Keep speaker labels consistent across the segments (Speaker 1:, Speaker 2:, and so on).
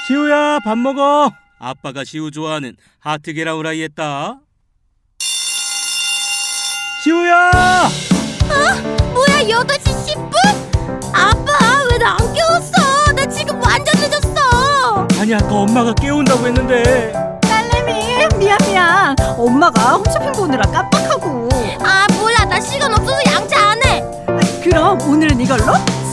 Speaker 1: 시우야, 밥 먹어. 아빠가 시우 좋아하는 하트 계란 후라이 했다. 시우야!
Speaker 2: 뭐야, 8시 10분? 아빠, 왜 나 안 깨웠어? 나 지금 완전 늦었어.
Speaker 1: 아니, 아까 엄마가 깨운다고 했는데.
Speaker 3: 딸내미, 미안. 엄마가 홈쇼핑 보느라 깜빡하고.
Speaker 2: 아, 몰라, 나 시간 없어서 양치 안 해.
Speaker 3: 그럼 오늘은 이걸로?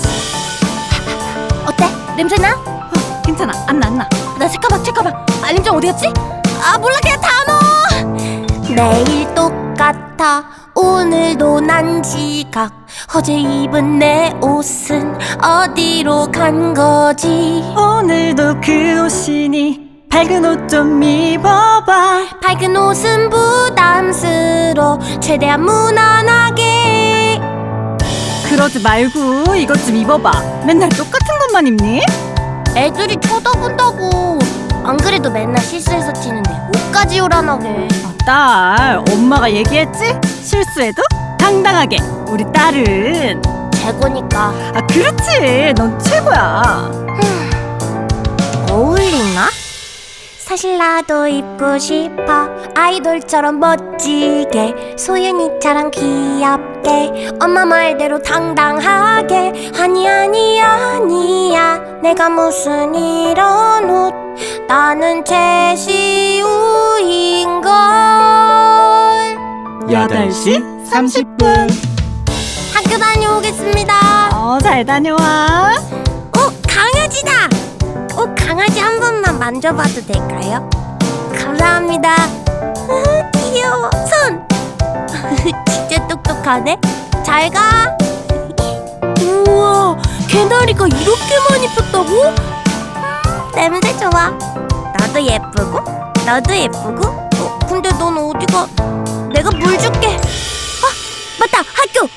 Speaker 2: 어때? 냄새나?
Speaker 3: 괜찮아, 안 나.
Speaker 2: 나 잠깐만. 알림장 어디 갔지? 아, 몰라, 그냥 다 넣어. 내일 똑같아. 오늘도 난 지각. 어제 입은 내 옷은 어디로 간 거지?
Speaker 3: 오늘도 그 옷이니 밝은 옷 좀 입어봐.
Speaker 2: 밝은 옷은 부담스러워. 최대한 무난하게.
Speaker 3: 그러지 말고 이것 좀 입어봐. 맨날 똑같은 것만 입니?
Speaker 2: 애들이 쳐다본다고. 안 그래도 맨날 실수해서 튀는데 옷까지 요란하게.
Speaker 3: 딸, 엄마가 얘기했지? 실수해도 당당하게. 우리 딸은
Speaker 2: 최고니까.
Speaker 3: 그렇지. 넌 최고야.
Speaker 2: 어울리나? 사실 나도 입고 싶어. 아이돌처럼 멋지게, 소윤이처럼 귀엽게, 엄마 말대로 당당하게. 아니야, 내가 무슨 이런 옷. 나는 최시우인걸.
Speaker 1: 8시 30분.
Speaker 2: 학교 다녀오겠습니다.
Speaker 3: 잘 다녀와.
Speaker 2: 강아지다. 강아지 한 번만 만져봐도 될까요? 감사합니다. 귀여워. 손. 진짜 똑똑하네. 잘 가. 우와, 개나리가 이렇게 많이 폈다고? 냄새 좋아. 나도 예쁘고 너도 예쁘고. 근데 넌 어디가? 내가 물 줄게. 맞다. 학교.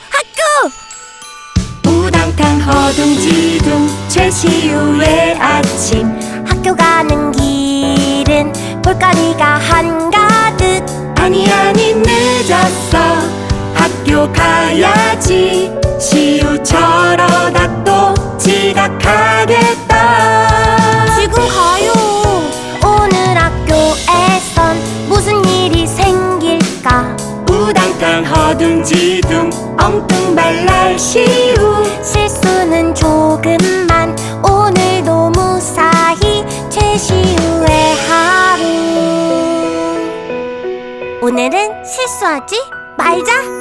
Speaker 4: 우당탕 허둥지둥 최시우의 아침.
Speaker 2: 학교 가는 길은 볼거리가 한가득.
Speaker 4: 아니 늦었어. 학교 가야지. 시우 저러다 또 지각하겠다.
Speaker 2: 지금 가요. 오늘 학교에선 무슨 일이 생길까?
Speaker 4: 우당탕 허둥지둥 엉뚱발랄 시우.
Speaker 2: 실수는 조금만. 오늘도 무사히 최시우의 하루. 오늘은 실수하지 말자.